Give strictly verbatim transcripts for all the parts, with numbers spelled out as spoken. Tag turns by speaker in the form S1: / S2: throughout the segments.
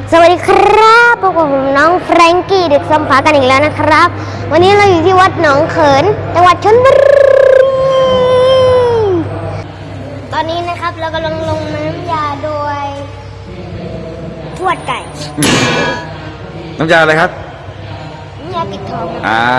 S1: สวัสดีครับพบกับผมน้องแฟรงกี้เด็กสมภากันอีกแล้วนะครับวันนี้เราอยู่ที่วัดหนองเขินจังหวัดชลบุรีตอนนี้นะครับเรากำลังลงน้ำยาโดยทวดไก่
S2: น้ำยาอะไรครับ
S1: น้ำยาปิดทอง
S2: อ่า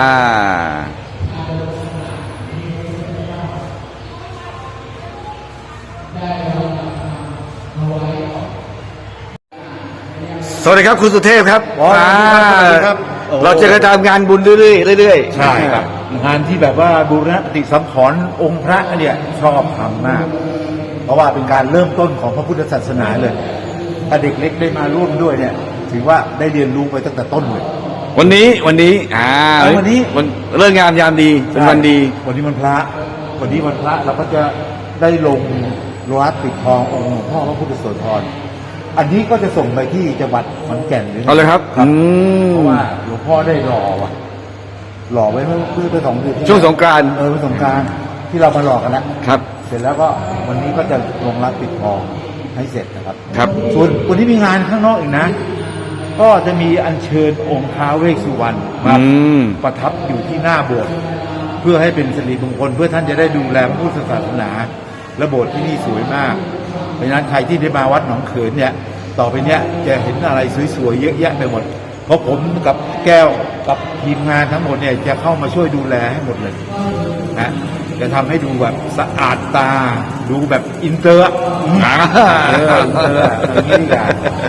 S2: สวัสดีครับคุณสุเทพครับ
S3: อ่าครับ
S2: เราจะกระจายงานบุญเรื่อยๆเรื่อยๆ
S3: ใช่ครับงานที่แบบว่าบูรณะปฏิสังขรณ์องค์พระเนี่ยชอบทำมากเพราะว่าเป็นการเริ่มต้นของพระพุทธศาสนาเลยถ้าเด็กเล็กได้มาร่วมด้วยเนี่ยถือว่าได้เรียนรู้ไปตั้งแต่ต้นเลย
S2: วันนี้วันนี้อ่า
S3: วันนี้
S2: วันเรื่องงามยามดีเป็นวันดี
S3: วันนี้วันพระวันนี้วันพระเราก็จะได้ลงโลหะปิดทององค์หลวงพ่อพระพุทธโสธรอันนี้ก็จะส่งไปที่จังหวัดขอนแก่นเลย
S2: เอาเลยครับเพ
S3: ราะว่าหลวงพ่อได้รอว่ะหล่อไว้เพื่อเพื่อสองเดือน
S2: ช่วงสงกรานต์
S3: เออสงกรานต์ที่เรามาหลอกกันแล้ว
S2: ครับ
S3: เสร็จแล้วก็วันนี้ก็จะลงรับปิดทองให้เสร็จนะครับ
S2: ครับ
S3: ส่วนวันนี้มีงานข้างนอกอีกนะก็จะมีอัญเชิญองค์ท้าวเวสสุวรรณมาประทับอยู่ที่หน้าโบสถ์เพื่อให้เป็นสิริมงคลเพื่อท่านจะได้ดูแลพุทธศาสนาและโบสถ์ที่นี่สวยมากเพราะฉะนั้นใครที่ได้มาวัดหนองเขินเนี่ยต่อไปเนี้ยจะเห็นอะไรสวยๆเยอะแยะไปหมดเพราะผมกับแก้วกับทีมงานทั้งหมดเนี่ยจะเข้ามาช่วยดูแลให้หมดเลยนะจะทำให้ดูแบบสะอาดตาดูแบบอินเตอร์เอออินเตอร์อย่างนี้ดีกว่า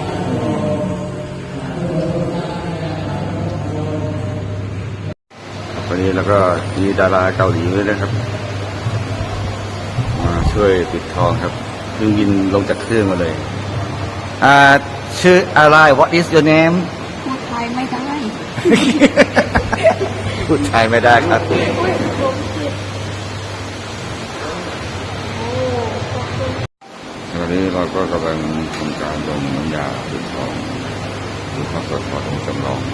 S2: วันนี้แล้วก็มีดาราเกาหลีด้วยนะครับมาช่วยปิดทองครับเพิ่งบินลงจากเครื่องมาเลยอ่าชื่ออะไร What is your name
S1: พูดไทยไม่ได้
S2: พูดไทยไม่ได้ครับตอนนี้เราก็กำลังทำการลงน้ำยาปิดทองหรือพระโสธรจำลอง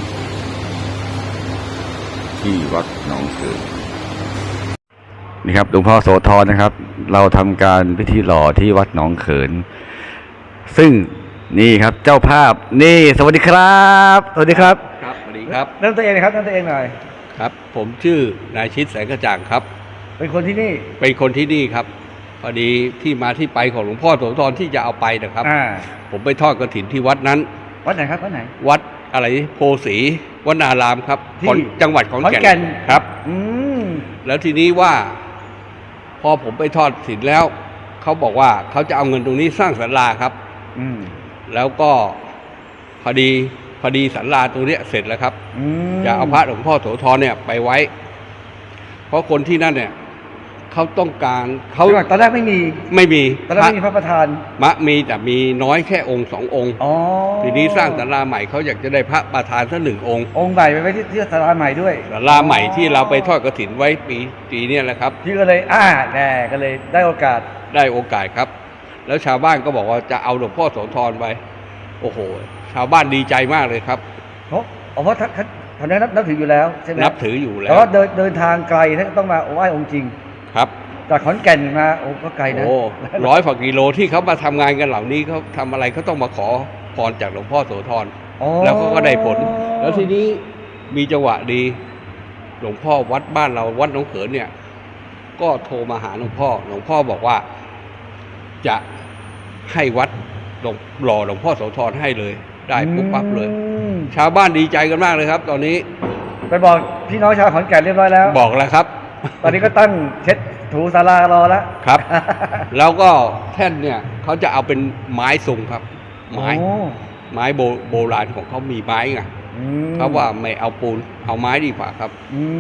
S2: ที่วัดหนองเขินนี่ครับหลวงพ่อโสธรนะครับเราทำการพิธีหล่อที่วัดหนองเขินซึ่งนี่ครับเจ้าภาพนี่สวัสดีครับสวัสดีครับ
S4: ครับสวัสดีครับ
S3: นั่งตัวเองนะครับนั่งตัวเองหน่อย
S4: ครับผมชื่อนายชิดแสงกระจ่างครับ
S3: เป็นคนที่นี่
S4: เป็นคนที่นี่ครับพอดีที่มาที่ไปของหลวงพ่อโสธรที่จะเอาไปนะครับผมไปทอดกฐินที่วัดนั้น
S3: วัดไหนครับวัดไหน
S4: วัดอะไรโพสีวนารามครับที่จังหวัดขอนแก่นครับอืมแล้วทีนี้ว่าพอผมไปทอดกฐินแล้วเขาบอกว่าเขาจะเอาเงินตรงนี้สร้างศาลาครับอืมแล้วก็พอดีพอดีศาลาตรงนี้เสร็จแล้วครับจะเอาพระหลวงพ่อโสธรเนี่ยไปไว้เพราะคนที่นั่นเนี่ยเขาต้องการเขา
S3: ตอนแรกไม่มี
S4: ไม่มี
S3: ตอนแรกไม่มีพระประธาน
S4: มะมีแต่มีน้อยแค่องค์สององค์ทีนี้สร้างศาลาใหม่เขาอยากจะได้พระประธานสักหนึ่งองค์
S3: องค์ใหญ่ไปไว้ที่ที่ศาลาใหม่ด้วย
S4: ศาลาใหม่ที่เราไปทอดกฐินไว้ปีปีนี้แหละครับ
S3: ที่ก็เลยอ่าแน่ก็เลยได้โอกาส
S4: ได้โอกาสครับแล้วชาวบ้านก็บอกว่าจะเอาหลวงพ่อโสธรไปโอ้โหชาวบ้านดีใจมากเลยครับ
S3: เพราะเพราะท่านท่านนับถืออยู่แล้วใช่ไหม
S4: นับถืออยู่แล้ว
S3: แต่ว่าเดินเดินทางไกลท่านต้องมาไหว้องค์จริง
S4: ครับ
S3: จากขอนแก่นมาโอ้ก็ไกลนะ
S4: โอ้ร้อยกว่ากิโลที่เขามาทำงานกันเหล่านี้เขาทำอะไรเขาต้องมาขอพรจากหลวงพ่อโสธรแล้วเขาก็ได้ผลแล้วทีนี้มีจังหวะดีหลวงพ่อวัดบ้านเราวัดหนองเขินเนี่ยก็โทรมาหาหลวงพ่อหลวงพ่อบอกว่าจะให้วัดหล่อหลวงพ่อโสธรให้เลยได้ปุ๊บปั๊บเลยชาวบ้านดีใจกันมากเลยครับตอนนี้
S3: ไปบอกพี่น้องชาวขอนแก่นเรียบร้อยแล้ว
S4: บอกแล้วครับ
S3: ตอนนี้ก็ตั้งเช็ดถูศาลารอแล้ว
S4: ครับแล้วก็แท่นเนี่ยเขาจะเอาเป็นไม้ทรงครับไม้ไม้โบโบราณของเขามีไม้ไงเขาว่าไม่เอาปูนเอาไม้ดีกว่าครับ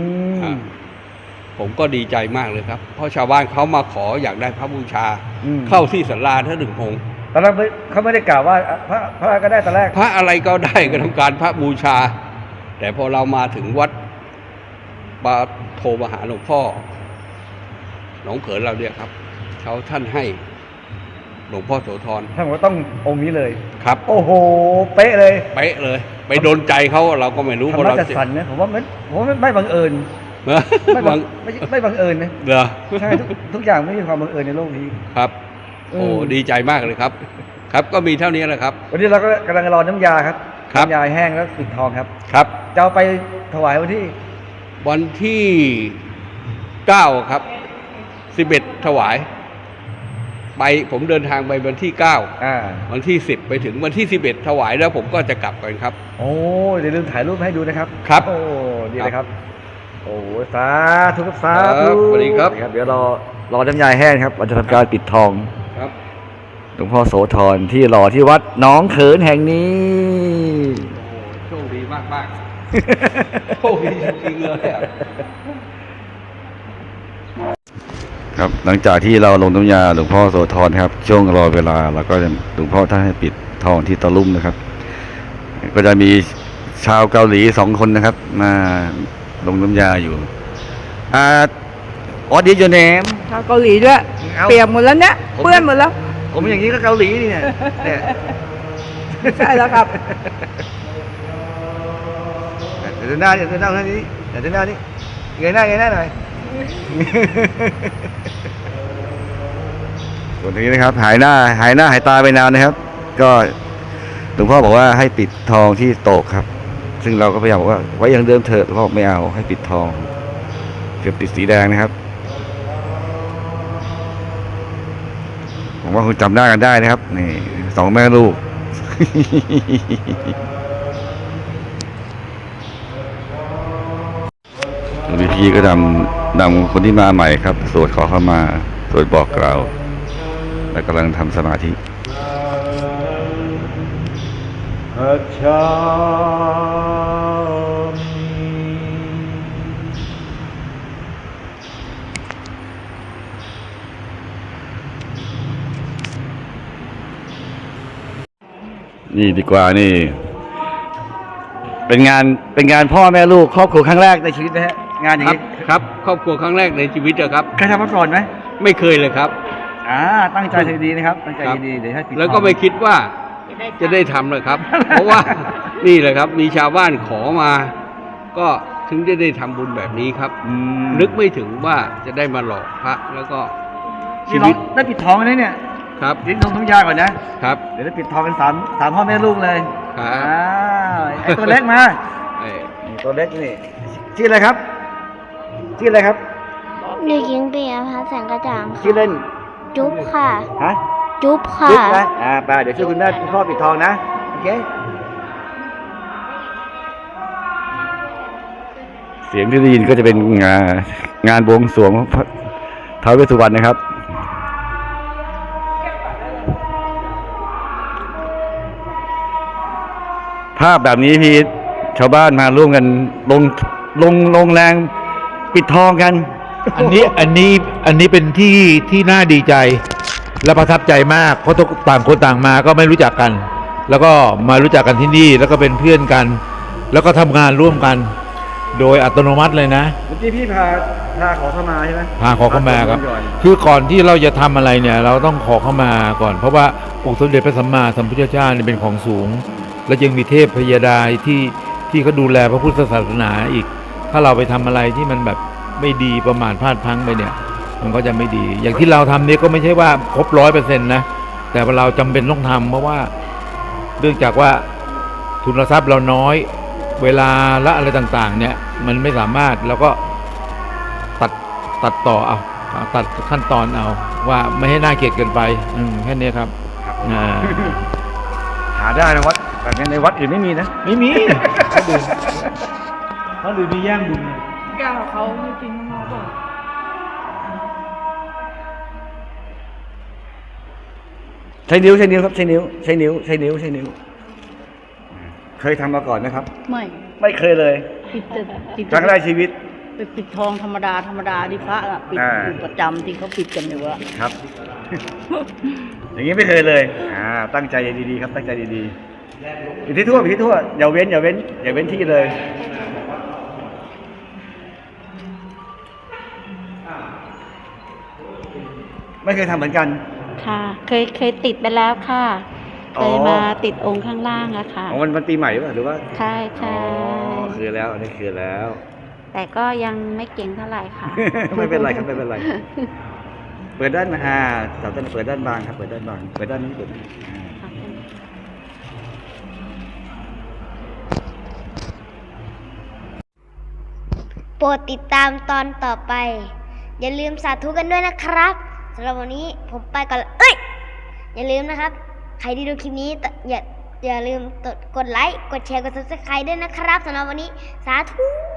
S4: ผมก็ดีใจมากเลยครับเพราะชาวบ้านเขามาขออยากได้พระบูชาเข้าที่ศาลาท่านหนึ่งองค์
S3: ตอนแรกเขาไม่ได้กล่าวว่าพระพระก็ได้ตอนแรก
S4: พระอะไรก็ได้ก็ต้องการพระบูชาแต่พอเรามาถึงวัดมาโทรมาหาหลวงพ่อหนองเขินเราเนี่ยครับเขาท่านให้หลวงพ่อโสธร
S3: ท่านบอกว่าต้ององค์นี้เลย
S4: ครับ
S3: โอ้โหเป๊ะเลย
S4: เป๊ะเลยไปโดนใจเขาเราก็ไม่รู้
S3: เพราะเราจะสั่นนะผมว่ามันผมว่าไม่บังเอิญไม่บังไม่ไม่บังเอิญนะ
S4: เหรอ
S3: ใช่ทุกอย่างไม่มีความบังเอิญในโลกนี้
S4: ครับโอ้ดีใจมากเลยครับครับก็มีเท่านี้แหละครับ
S2: วันนี้เราก็กำลังรอน้ำยาครับ
S4: ครับ
S2: น้ำยาแห้งแล้วปิดทองครับ
S4: ครับ
S2: จะเอาไปถวายวันที่
S4: วันที่เก้าครับสิบเอ็ดถวายไปผมเดินทางไปวันที่เก้า
S2: อ่า
S4: วันที่สิบไปถึงวันที่สิบเอ็ดถวายแล้วผมก็จะกลับกันครับ
S2: โอ้อย่าลืมถ่ายรูปให้ดูนะครับ
S4: ครับ
S2: โอ้ดีเลยครับ โอ้สาธุครับสา
S4: ค
S2: ธุ
S4: รับสวัสดีครับ
S2: เดี๋ยวรอรอน้ำยาแห้งครับเราจะทำการปิดทอง
S4: ครับ
S2: หลวงพ่อโสธรที่หล่อที่วัดหน้องเขินแห่งนี้
S4: โชคดีมากมากๆ โชคดีจริงๆเลยอะ
S2: ครับหลังจากที่เราลงน้ำยาหลวงพ่อโสธรครับช่วงรอเวลาเราก็จะหลวงพ่อท่านให้ปิดทองที่ตะลุ่มนะครับ ก็จะมีชาวเกาหลีสองคนนะครับ มาลงน้ำยาอยู่อ่าออดีโยเนม
S5: ชาวเกาหลีด้วย
S2: เอา
S5: เปียกหมดแล้วเนี่ย
S2: ผม
S5: เปื้อนหมดแล้ว
S2: ผมอย่างนี้ก็เกาหลีนี่เนี่ยเนี่ย
S5: ใช่แล้วครับ
S2: เดี๋ยวเดินหน้าเดี๋ยวเดินหน้าทางนี้เดี๋ยวเดินหน้านี่เงยหน้าเงยหน้าหน่อยส่วนทีนี้นะครับ หายหน้าหายหน้าหายตาไปนานนะครับ ก็หลวงพ่อบอกว่าให้ปิดทองที่โตกครับ ซึ่งเราก็พยายามบอกว่าไว้อย่างเดิมเถอะหลวงพ่อบอกไม่เอาให้ปิดทองเกือบติดสีแดงนะครับผมว่าคุณจำหน้ากันได้นะครับนี่สองแม่ลูก หลวงพี่ก็นำนำคนที่มาใหม่ครับสวดขอเข้ามาสวดบอกกล่าวและกำลังทำสมาธิอาชานี่ดีกว่านี่ เป็นงานเป็นงานพ่อแม่ลูกครอบครัวครั้งแรกในชีวิตนะฮะงานอย่าง
S4: ครับ
S2: นี้
S4: ครับครอบครัวครั้งแรกในชีวิตอะครับ
S2: เคยทำมาก่อนไหม
S4: ไม่เคยเลยครับ
S2: อ่าตั้งใจดีๆนะครับตั้งใจดีๆเดี๋ยวให้ปิด
S4: แล้วก็ไม่คิดว่าจะได้ทำเลยครับ เพราะว่านี่แหละครับมีชาวบ้านขอมา ก็ถึงจะได้ทำบุญแบบนี้ครับ
S2: อืม
S4: นึกไม่ถึงว่าจะได้มาหลอกพระแล้วก็ชี
S2: นี่น้อ
S4: วิ
S2: ง
S4: ต
S2: ได้ปิดทองแล้วเนี่ย
S4: ครับ
S2: เดี๋ยวลงน้ำยาก่อนนะครับ เดี๋ยวได้ปิดทองกันสามสามพ่อแม่ลูกเลย
S4: ครับ
S2: อ้าวไอ้ตัวเล็กมา
S4: เอ้ย
S2: นี่ตัวเล็กนี่ชื่ออะไรครับชื่ออะไรครับ
S1: เด็กหญิงเปียพัฒน์แสงกระจ่าง
S2: ชื่อเล่น
S1: จุ๊บค่ะ
S2: ฮะ
S1: จุ๊บค่ะ
S2: จุ๊บนะอ่าไปเดี๋ยวช่วยคุณแม่คุณพ่อปิดทองนะโอเคเสียงที่ได้ยินก็จะเป็นงานงานบวงสรวงพระท้าวเวสสุวรรณนะครับ ภาพแบบนี้พี่ชาวบ้านมาร่วมกันลงลงลงแรงปิดทองกัน
S3: อันนี้อันนี้อันนี้เป็นที่ที่น่าดีใจ และประทับใจมาก เพราะทุกต่างคนต่างมาก็ไม่รู้จักกัน แล้วก็มารู้จักกันที่นี่แล้วก็เป็นเพื่อนกัน แล้วก็ทำงานร่วมกัน โดยอัตโนมัติเลยนะ
S2: เมื่อกี้พี่พาพาขอเข้ามาใช่ไหม
S3: พาขอเข้ามาครับ
S2: พก่อน
S3: คือก่อนที่เราจะทำอะไรเนี่ย เราต้องขอเข้ามาก่อน เพราะว่าองค์สมเด็จพระสัมมาสัมพุทธเจ้าเนี่ยเป็นของสูง และยังมีเทพพยาดาที่ที่เขาดูแลพระพุทธศาสนาอีก ถ้าเราไปทำอะไรที่มันแบบไม่ดีประมาทพลาดพลั้งไปเนี่ย มันก็จะไม่ดี อย่างที่เราทำเนี่ยก็ไม่ใช่ว่าครบร้อยเปอร์เซ็นต์นะแต่ว่าเราจำเป็นต้องทำเพราะว่าเนื่องจากว่าทุนทรัพย์เราน้อย เวลาและอะไรต่างๆ เนี่ย มันไม่สามารถแล้วก็ตัดตัดต่อเอาตัดขั้นตอนเอาว่าไม่ให้น่าเกลียดเกินไปอืมแค่นี้ครับอ่า
S2: หาได้นะวัดแบบนี้ในวัดอื่นไม่มีนะ
S3: ไม่มีเขาดื่มเขาดื่มมีแย่งบุญ
S5: แก้วเขาไม่กินข้างนอกป่ะ
S2: ใช้นิ้วใช้นิ้วครับใช้นิ้วใช้นิ้วใช้นิ้วใช้นิ้ว เคยทำมาก่อนไหมครับ
S6: ไม่
S2: ไม่เคยเลย
S6: ปิดแต่ปิด
S2: ครั้งแรกชีวิต
S6: ไปปิดทองธรรมดาธรรมดาที่พระอะปิด
S2: อ่า
S6: อยู่ประจำที่เขาปิดกันอยู่อะ
S2: ครับ อย่างนี้ไม่เคยเลย อ่า ตั้งใจดีๆครับ ตั้งใจดีๆอยู่ที่ทั่วอยู่ที่ทั่วอย่าเว้นอย่าเว้นอย่าเว้นที่เลย ไม่เคยทำเหมือนกัน
S7: ค่ะ เคยเคยติดไปแล้วค่ะ
S2: อ๋
S7: เค
S2: อ
S7: ยมาติดองค์ข้างล่างอะค่ะ
S2: อ๋อมันมันปีใหม่ป่ะหรือว่า
S7: ใช่ใช่
S2: อ๋อคือแล้วอันนี้คือแล้ว
S7: แต่ก็ยังไม่เก่งเท่าไหร่ค่ะ
S2: ไม่เป็นไรครับไม่เป็นไรเปิดด้านอ่าสาวต้นเปิดด้านบางครับเปิดด้านบางเปิดด้านนี้เปิดอ่า
S1: โปรดติดตามตอนต่อไป อย่าลืมสาธุกันด้วยนะครับสำหรับวันนี้ผมไปก่อนละเอ้ย อย่าลืมนะครับ ใครที่ดูคลิปนี้อย่าอย่าลืมกดไลค์ กดแชร์ กด ซับสไครบ์ ด้วยนะครับสำหรับวันนี้สาธุ